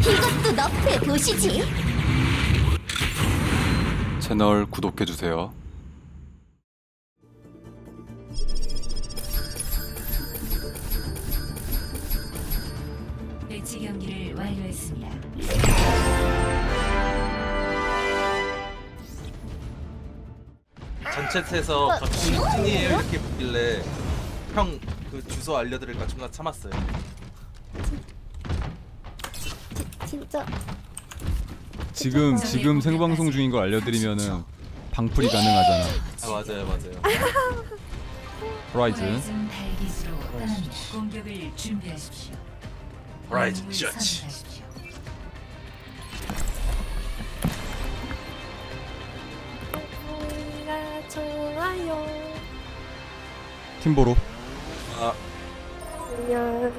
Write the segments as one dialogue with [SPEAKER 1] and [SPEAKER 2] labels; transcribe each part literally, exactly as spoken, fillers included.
[SPEAKER 1] 이것도 너프해 보시지.
[SPEAKER 2] 채널 구독해주세요.
[SPEAKER 3] 배치 경기를 완료했습니다.
[SPEAKER 4] 전챗에서 갑자기 찐이에요 이렇게 묻길래 형 그 주소 알려드릴까 순간 참았어요.
[SPEAKER 1] 진짜
[SPEAKER 2] 지금 지금 생방송 중인 걸 알려드리면은 방풀이 가능하잖아.
[SPEAKER 4] 아 맞아요 맞아요.
[SPEAKER 2] 호라이즌.
[SPEAKER 3] 호라이즌 달기수로 떠납니다. 공격을 준비하십시오.
[SPEAKER 4] 호라이즌
[SPEAKER 3] 영웅을
[SPEAKER 4] 셔츠.
[SPEAKER 3] 선택하십시오.
[SPEAKER 1] 뭔가 좋아요.
[SPEAKER 2] 팀보로.
[SPEAKER 4] 아
[SPEAKER 1] 안녕.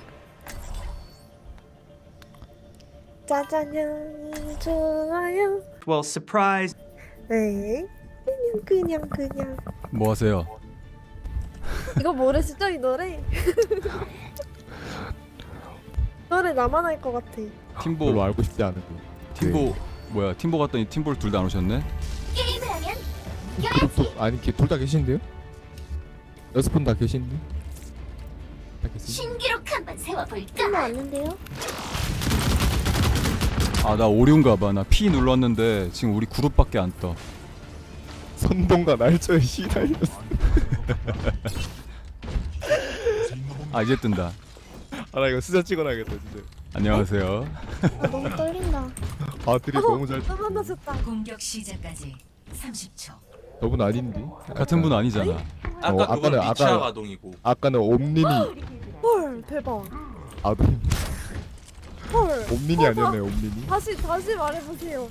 [SPEAKER 1] 짜장면이 좋아요.
[SPEAKER 5] Well, surprise.
[SPEAKER 1] 네. 그냥 그냥 그냥.
[SPEAKER 2] 뭐 하세요?
[SPEAKER 1] 이거 모르시죠 이 노래? 노래 나만 할 것 같아.
[SPEAKER 2] 팀보.
[SPEAKER 6] 별로 알고 싶지 않은데.
[SPEAKER 2] 팀보 뭐야? 팀보 갔더니 팀보를 둘 다 안 오셨네.
[SPEAKER 1] 게임을 하면
[SPEAKER 6] 그룹도 아니 둘 다 계신데요? 여섯 분 다 계신데? 다 계신데?
[SPEAKER 1] 신기록 한번 세워볼까? 끝나 왔는데요?
[SPEAKER 2] 아 나 오류인가 봐. 나 P 눌렀는데 지금 우리 그룹밖에 안 떠.
[SPEAKER 6] 선동과 날짜에 시달렸어.
[SPEAKER 2] 아 이제 뜬다.
[SPEAKER 6] 아나 이거 스샷 찍어놔야겠다 진짜.
[SPEAKER 2] 안녕하세요.
[SPEAKER 1] 아, 너무 떨린다.
[SPEAKER 6] 아 드립 너무 잘.
[SPEAKER 1] 또 만나셨다.
[SPEAKER 3] 공격 시작까지 삼십 초.
[SPEAKER 6] 저분 아닌데?
[SPEAKER 2] 같은 분 아니잖아.
[SPEAKER 4] 아까
[SPEAKER 6] 어,
[SPEAKER 4] 그건
[SPEAKER 6] 아까는-
[SPEAKER 4] 미취학
[SPEAKER 6] 아까-
[SPEAKER 4] 아동이고
[SPEAKER 6] 아까는 옴니니
[SPEAKER 1] 헐 대박.
[SPEAKER 6] 아동.
[SPEAKER 1] 헐.
[SPEAKER 6] 옴니니 아니었나요 옴니니?
[SPEAKER 1] 다시 다시 말해보세요.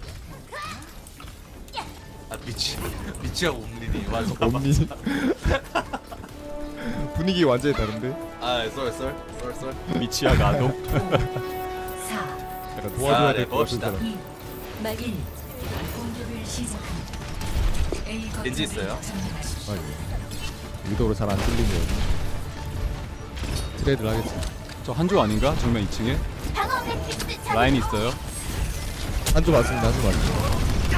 [SPEAKER 4] 아 미치 미취학 옴니니 맞아 맞아.
[SPEAKER 6] 옴니. 분위기 완전히 다른데?
[SPEAKER 4] 아 썰썰 썰썰.
[SPEAKER 2] 미치아 가도.
[SPEAKER 3] 사,
[SPEAKER 6] 약간
[SPEAKER 4] 아,
[SPEAKER 6] 도와줘야
[SPEAKER 4] 네,
[SPEAKER 6] 될 것 같은
[SPEAKER 4] 먹읍시다.
[SPEAKER 6] 사람.
[SPEAKER 3] 이, 일. 공격을 시작합니다. A 거점을
[SPEAKER 4] 렌즈 있어요?
[SPEAKER 3] 점령하십시오.
[SPEAKER 6] 아, 위도로 잘 안 뚫리네요. 트레이드를 하겠습니다.
[SPEAKER 2] 저 한조 아닌가? 정면 이 층에
[SPEAKER 1] 방어 매트리스
[SPEAKER 2] 라인 있어요.
[SPEAKER 6] 한쪽 맞습니다. 한쪽 맞습니다.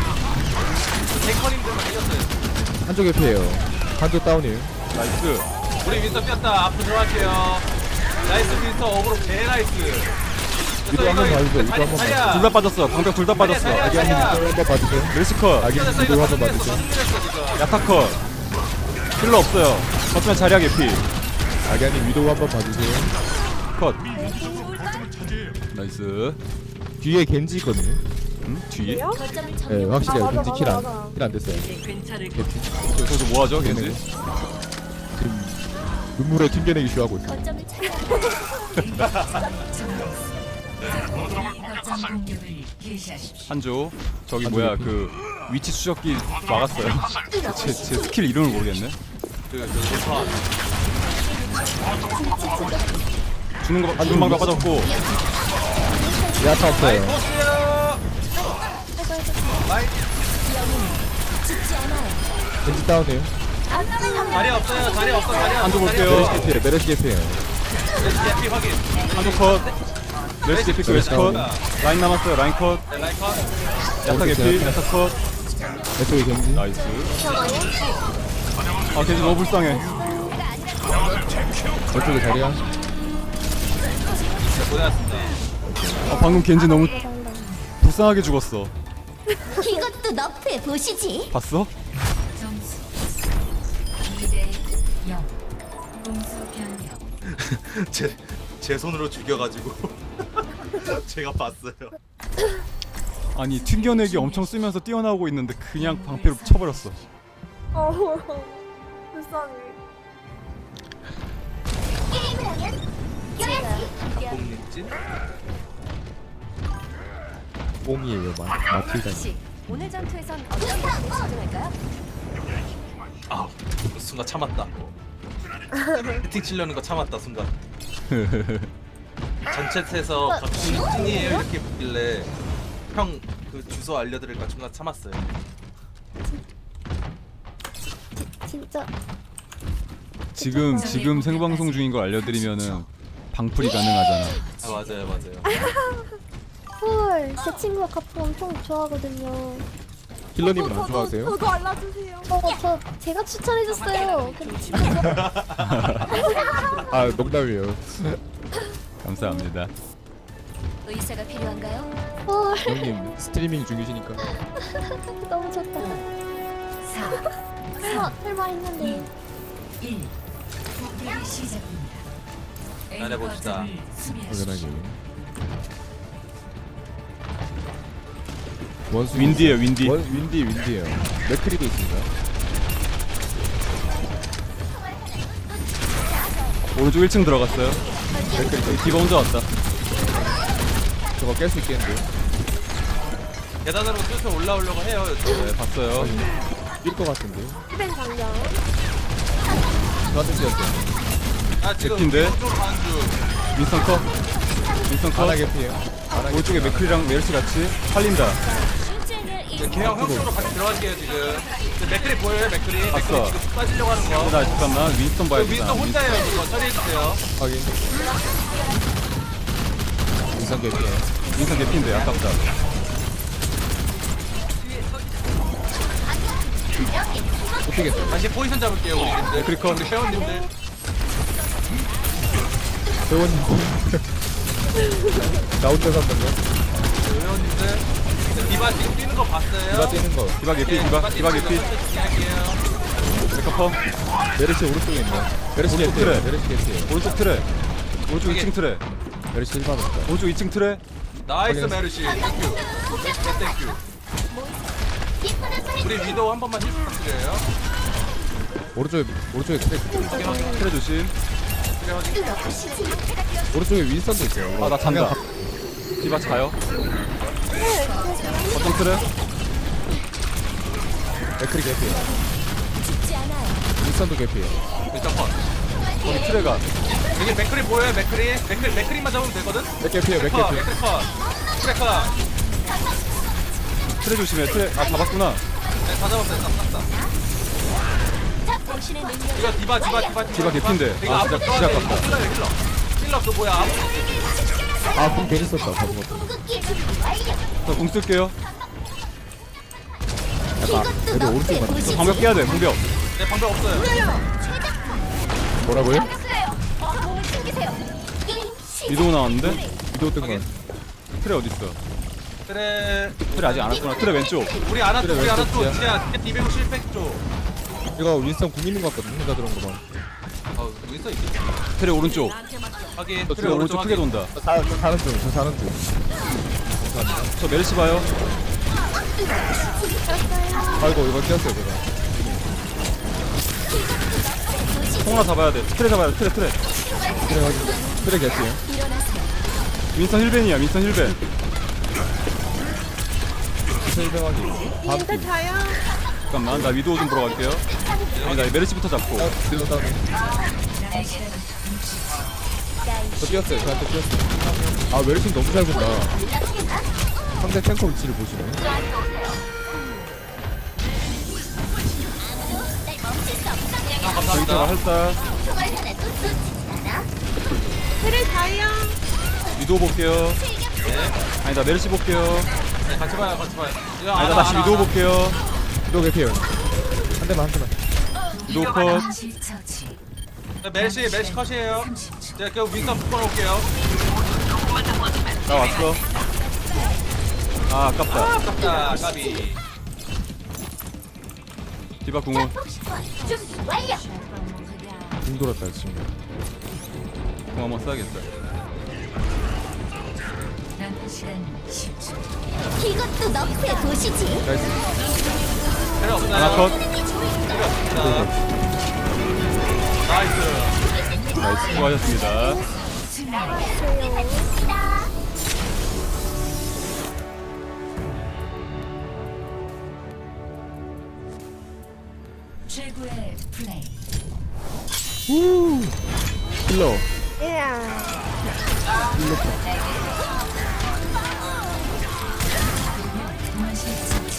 [SPEAKER 4] 탱커님들만 이겼어요.
[SPEAKER 6] 한쪽 개피예요. 한쪽 다운이에요.
[SPEAKER 2] 나이스.
[SPEAKER 4] 우리 윈터 뺐다. 앞으로 들어갈게요. 나이스 윈터 어그로 개 나이스.
[SPEAKER 6] 위도 한번 봐주세요. 위도 한번 봐주세요.
[SPEAKER 2] 둘 다 빠졌어. 방벽 둘 다 빠졌어.
[SPEAKER 4] 자리야,
[SPEAKER 6] 아기
[SPEAKER 4] 자리야.
[SPEAKER 6] 한번 한번 봐주세요.
[SPEAKER 2] 멜시컷.
[SPEAKER 6] 아기
[SPEAKER 4] 이겼어
[SPEAKER 6] 위도
[SPEAKER 4] 이겼어
[SPEAKER 6] 한번
[SPEAKER 4] 이겼어
[SPEAKER 6] 봐주세요.
[SPEAKER 2] 야타컷. 힐러 없어요. 거치면 자리야 개피.
[SPEAKER 6] 아기아님 위도 한번 봐주세요.
[SPEAKER 2] 컷. 나이스.
[SPEAKER 6] 뒤에 겐지 있거든요.
[SPEAKER 2] 음? 뒤에?
[SPEAKER 1] 거점을
[SPEAKER 6] 네, 확실히
[SPEAKER 1] 아, 맞아,
[SPEAKER 6] 겐지
[SPEAKER 1] 맞아, 맞아.
[SPEAKER 6] 킬안 됐어요.
[SPEAKER 2] 저기서 뭐 하죠, 겐지?
[SPEAKER 6] 지금 눈물에 튕겨내기 쉬하고 있어요.
[SPEAKER 1] 거점을 차지하
[SPEAKER 3] A 거점 공격을 개시하십시오.
[SPEAKER 2] 한조. 저기
[SPEAKER 6] 한조
[SPEAKER 2] 뭐야
[SPEAKER 6] 개피.
[SPEAKER 2] 그 위치 추적기 막았어요. 제, 제 스킬 이름을 모르겠네.
[SPEAKER 4] 그 윈터
[SPEAKER 2] 주는 거 주는 방법 빠졌고.
[SPEAKER 6] 야타 없어요.
[SPEAKER 4] 보세요.
[SPEAKER 6] 겐지 다운이에요.
[SPEAKER 4] 자리 없어요. 자리 없어. 자리 없어.
[SPEAKER 2] 한조 볼게요.
[SPEAKER 6] 메르시 개피에요. 메르시 개피에요.
[SPEAKER 4] 피 확인.
[SPEAKER 2] 한조 컷. 멜시 개피 그 멜시 컷. 라인 남았어요. 라인 컷.
[SPEAKER 4] 네, 라이컨.
[SPEAKER 2] 야타 개피. 야타 컷.
[SPEAKER 6] 왼쪽에 겐지.
[SPEAKER 2] 나이스. 아 겐지 너무 불쌍해.
[SPEAKER 6] 왼쪽에 자리야.
[SPEAKER 4] 네, 고생하셨습니다.
[SPEAKER 2] 아 방금 겐지 너무 불쌍하게 죽었어.
[SPEAKER 1] 이것도 너프해 보시지.
[SPEAKER 2] 봤어?
[SPEAKER 3] 점수 이 대 영. 공수 변경.
[SPEAKER 4] 제, 제 손으로 죽여가지고 제가 봤어요.
[SPEAKER 2] 아니 튕겨내기 엄청 쓰면서 뛰어나오고 있는데 그냥 방패로 쳐버렸어.
[SPEAKER 1] 어 불쌍해. 게임을 하면 이겨야지.
[SPEAKER 4] 공립진?
[SPEAKER 6] 뽕이에요. 마, 마틸다.
[SPEAKER 1] 오늘 전투에선 어떤 것을 집중할까요?
[SPEAKER 4] 아 순간 참았다. 히팅 치려는 거 참았다 순간. 전챗에서 갑자기 찐이에요 이렇게 묻길래 형 그 주소 알려드릴까 순간 참았어요.
[SPEAKER 1] 진짜
[SPEAKER 2] 지금 지금 생방송 중인 걸 알려드리면은 방풀이 가능하잖아.
[SPEAKER 4] 아 맞아요 맞아요.
[SPEAKER 1] 헐, 제 친구가 가품 엄청 좋아하거든요.
[SPEAKER 6] 힐러님은 안 좋아하세요?
[SPEAKER 1] 저도 알려주세요. 어, 저 제가 추천해줬어요. 근데 진짜
[SPEAKER 6] 아 농담이에요.
[SPEAKER 2] 감사합니다.
[SPEAKER 1] 의사가 필요한가요? 헐,
[SPEAKER 6] 형님 스트리밍 중이시니까.
[SPEAKER 1] 너무 좋다.
[SPEAKER 3] 사,
[SPEAKER 1] 설마, 설마 했는데.
[SPEAKER 3] 일. 공격이 시작됩니다. A
[SPEAKER 4] 기다려봅시다.
[SPEAKER 3] 거점을 수비하십시오.
[SPEAKER 6] 당연하게. 원수
[SPEAKER 2] 윈디에요, 윈디.
[SPEAKER 6] 원, 윈디 윈디에요. 맥크리도 있습니다.
[SPEAKER 2] 오른쪽 일 층 들어갔어요. 여기 디바 혼자 왔다.
[SPEAKER 6] 저거 깰 수 있겠는데요?
[SPEAKER 4] 계단으로 뚫쳐 올라오려고 해요.
[SPEAKER 2] 네, 봤어요.
[SPEAKER 6] 뛸 것 같은데요?
[SPEAKER 1] 스벤 장면.
[SPEAKER 6] 저한테 뛰었어요.
[SPEAKER 4] 아 지금
[SPEAKER 2] 제피인데?
[SPEAKER 4] 쪽 가는 중.
[SPEAKER 2] 윈스턴 컷. 윈스턴 컷.
[SPEAKER 6] 안하게 피해요. 안하게
[SPEAKER 2] 오른쪽에 맥크리랑 메르시 같이 살린다.
[SPEAKER 4] 네, 걔형 형 쪽으로 같이 들어갈게요 지금. 저 맥크리 보여요 맥크리. 맥크리
[SPEAKER 2] 봤어.
[SPEAKER 4] 지금 쑥 빠지려고 하는 거.
[SPEAKER 2] 나 잠깐만 윈스턴 봐야
[SPEAKER 4] 저
[SPEAKER 2] 겠다
[SPEAKER 4] 윈스턴 혼자예요 그거 처리해주세요.
[SPEAKER 6] 확인. 인상 개피해.
[SPEAKER 2] 윈스턴 개피인데 아깝다.
[SPEAKER 6] 못 뛰겠어요.
[SPEAKER 4] 다시 포지션 잡을게요 우리.
[SPEAKER 2] 맥크리 컷.
[SPEAKER 4] 우리 회원님들.
[SPEAKER 6] 회원님. 나 혼자 산다고?
[SPEAKER 4] 우리 회원님들. 디바 지금 뛰는 거 봤어요?
[SPEAKER 6] 디바 뛰는 거.
[SPEAKER 2] 디바 개피, 디바, 디바 개피.
[SPEAKER 4] 진행할게요.
[SPEAKER 2] 메카펌.
[SPEAKER 6] 메르시 오른쪽에 있네. 메르시
[SPEAKER 2] 오른쪽
[SPEAKER 6] 개피해요.
[SPEAKER 2] 트레.
[SPEAKER 6] 메르시 개피해요.
[SPEAKER 2] 오른쪽 트레. 오른쪽 이 층 트레.
[SPEAKER 6] 메르시 일 받았다.
[SPEAKER 2] 오른쪽 이 층 트레.
[SPEAKER 4] 나이스
[SPEAKER 6] 확인했어.
[SPEAKER 4] 메르시. 땡큐. 네, 땡큐. 우리 위도우 한 번만 힐 부탁드려요.
[SPEAKER 6] 오른쪽에 오른쪽에 트랙.
[SPEAKER 4] 확인 확인.
[SPEAKER 2] 트레 조심.
[SPEAKER 4] 그래 확인.
[SPEAKER 6] 오른쪽에 윈스턴도 있어요.
[SPEAKER 2] 아 나 잔다. 디바 가요. 어떤 트레?
[SPEAKER 6] 맥크리 개피해요.
[SPEAKER 1] 죽지 않아요.
[SPEAKER 6] 윈스턴도 개피해요.
[SPEAKER 4] 일단 컷.
[SPEAKER 2] 거기 트레가.
[SPEAKER 4] 여기 맥크리 보여요 맥크리. 맥크리 맥크리만 잡으면 되거든.
[SPEAKER 6] 맥 개피해요. 맥
[SPEAKER 4] 컷.
[SPEAKER 6] 개피.
[SPEAKER 4] 맥크리 컷. 트레 컷.
[SPEAKER 2] 트레 조심해. 트레 아 잡았구나.
[SPEAKER 4] 네, 다 잡았어요. 다 땄다.
[SPEAKER 1] 당신의 능력.
[SPEAKER 4] 이거 디바 디바 디바
[SPEAKER 2] 디바 개핀데.
[SPEAKER 4] 이거
[SPEAKER 2] 아,
[SPEAKER 4] 앞으로
[SPEAKER 2] 진짜-
[SPEAKER 4] 떠야 돼.
[SPEAKER 2] 진짜 아깝다.
[SPEAKER 4] 힐러 힐러. 힐러 그 뭐야 아무.
[SPEAKER 6] 아, 공 괜히 썼다. 바보 같은.
[SPEAKER 1] 궁극기 준비 완료.
[SPEAKER 2] 저공 쓸게요.
[SPEAKER 6] 약간 여기 오른쪽 맞
[SPEAKER 2] 저 방벽 깨야 돼. 방벽.
[SPEAKER 4] 네 방법 없어요.
[SPEAKER 6] 뭐라고요?
[SPEAKER 1] 몸을 챙기세요. 게임 시작.
[SPEAKER 2] 위도우 나왔는데?
[SPEAKER 6] 위도우 뜬 거.
[SPEAKER 2] 트레 어디 있어?
[SPEAKER 4] 트레
[SPEAKER 2] 트레 아직 안 왔구나. 트레 왼쪽.
[SPEAKER 4] 우리 아나 쪽
[SPEAKER 6] 그래,
[SPEAKER 4] 우리 아나 쪽
[SPEAKER 6] 왼쪽이야.
[SPEAKER 4] 진짜 디베고 실패 쪽.
[SPEAKER 6] 이거 윈스턴 궁 있는 것 같거든. 혼자 들어온 거 봐.
[SPEAKER 4] 어 여기 있어 있어.
[SPEAKER 2] 트레 오른쪽.
[SPEAKER 4] 확인.
[SPEAKER 2] 트레 오른쪽 크게 돈다.
[SPEAKER 6] 저 사, 저 사는 중. 저 사는 중.
[SPEAKER 2] 저 메르시 봐요.
[SPEAKER 6] 아이고 이거 뛰었어요 제가.
[SPEAKER 2] 통 하나 잡아야 돼. 트레 잡아야 돼. 트레 트레.
[SPEAKER 6] 그래 확인. 그래 개피해요.
[SPEAKER 2] 윈스턴 힐벤이야. 윈스턴 힐벤.
[SPEAKER 6] 실명하기. 다음 팀.
[SPEAKER 2] 잠깐만 나 위도우 좀 보러 갈게요. 아니 나 메르시부터 잡고.
[SPEAKER 6] 아, 위도우 다운. 저 뛰었어요. 저한테 뛰었어요. 아 웰슨 너무 잘 본다. 상대 탱커 위치를 보시네.
[SPEAKER 2] 저기다가 할다. 위도우 볼게요.
[SPEAKER 4] 네.
[SPEAKER 2] 아니 나 메르시 볼게요.
[SPEAKER 4] 네, 같이 봐요 같이 봐요. 이거
[SPEAKER 2] 아니 나
[SPEAKER 4] 아나,
[SPEAKER 2] 다시
[SPEAKER 4] 아나,
[SPEAKER 2] 위도우
[SPEAKER 4] 아나.
[SPEAKER 2] 볼게요.
[SPEAKER 6] 위도우 개피해요. 한 대만 한 대만.
[SPEAKER 2] 위도우 컷.
[SPEAKER 3] 동시 처치.
[SPEAKER 4] 네, 멜시 멜시 컷이에요.
[SPEAKER 3] 삼십 초.
[SPEAKER 4] 제가 그 윈선 묶어놓을게요.
[SPEAKER 2] 나 왔어. 아 아깝다.
[SPEAKER 4] 아깝다 까비.
[SPEAKER 2] 디바 궁은
[SPEAKER 1] 준비 완료.
[SPEAKER 6] 궁 돌았다 지금.
[SPEAKER 2] 궁 한번 써야겠다.
[SPEAKER 3] 남은 시간 십 초.
[SPEAKER 1] 이것도 너프의 도시지.
[SPEAKER 6] 나이스.
[SPEAKER 4] 필요 없나요?
[SPEAKER 2] 하나 컷.
[SPEAKER 4] 필요 없습니다. 나이스.
[SPEAKER 2] 나이스. 수고하셨습니다.
[SPEAKER 3] 최고의 플레이.
[SPEAKER 6] 힐러.
[SPEAKER 3] 동시 처치.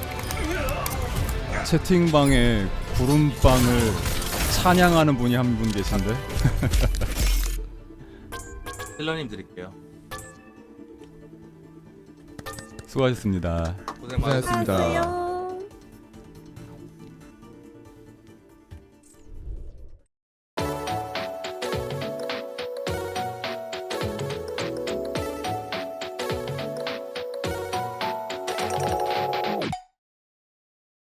[SPEAKER 2] 채팅방에 구름빵을 찬양하는 분이 한 분 계신데.
[SPEAKER 4] 힐러님 드릴게요.
[SPEAKER 2] 수고하셨습니다.
[SPEAKER 4] 고생 많으셨습니다.
[SPEAKER 6] 고생하셨습니다.
[SPEAKER 1] 안녕하세요.